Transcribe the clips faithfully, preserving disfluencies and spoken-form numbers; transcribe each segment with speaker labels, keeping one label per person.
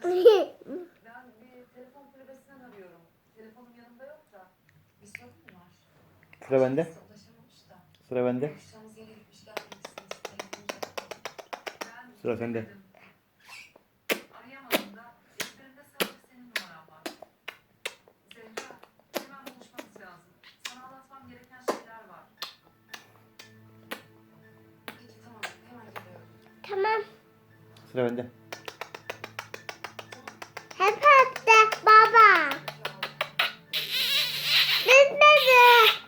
Speaker 1: Ben bir telefon kulübesinden arıyorum. Telefonum yanımda yok da. Bir sorun mu var?
Speaker 2: Sıra bende.
Speaker 1: Kimse ulaşamamış da.
Speaker 2: Sıra bende.
Speaker 1: Buluşacağımız yere gitmiş gelmemişsiniz. Telefonum yok. Ben
Speaker 2: Sıra sende.
Speaker 1: denedim. Arayamadım da. Ezberimde sadece senin numaran var. Zehra, hemen buluşmamız lazım. Sana anlatmam gereken şeyler var. Peki tamam, hemen geliyorum.
Speaker 3: Tamam.
Speaker 2: Sıra bende.
Speaker 3: Hep hep baba. Bitmedi.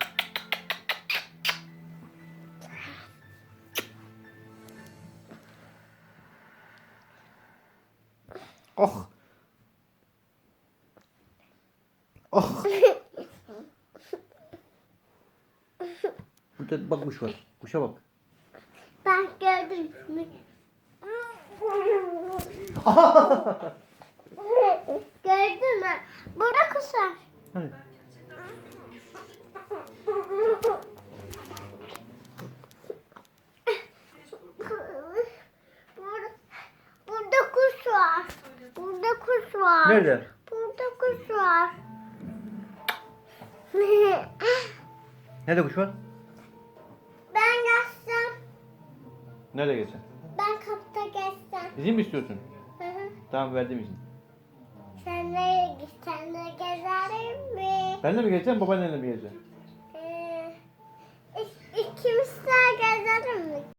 Speaker 2: Oh. Oh. Burada bak kuş var. Kuşa bak.
Speaker 3: Ben gördüm. Gördün mü? Burada kuş var.
Speaker 2: Hadi.
Speaker 3: Burada, burada kuş var. Burada kuş var.
Speaker 2: Nerede?
Speaker 3: Burada kuş var.
Speaker 2: Nerede kuş var?
Speaker 3: Ben geçsem.
Speaker 2: Nerede geçen?
Speaker 3: Ben kapıda geçsem.
Speaker 2: İzin mi istiyorsun?
Speaker 3: Hı hı.
Speaker 2: Tamam, verdim izin.
Speaker 3: Sen nereye gitsen de gezerim mi?
Speaker 2: Ben de mi geleceğim, babaannenle mi geleceğim?
Speaker 3: Ee, ik- ikimiz de gezerim mi?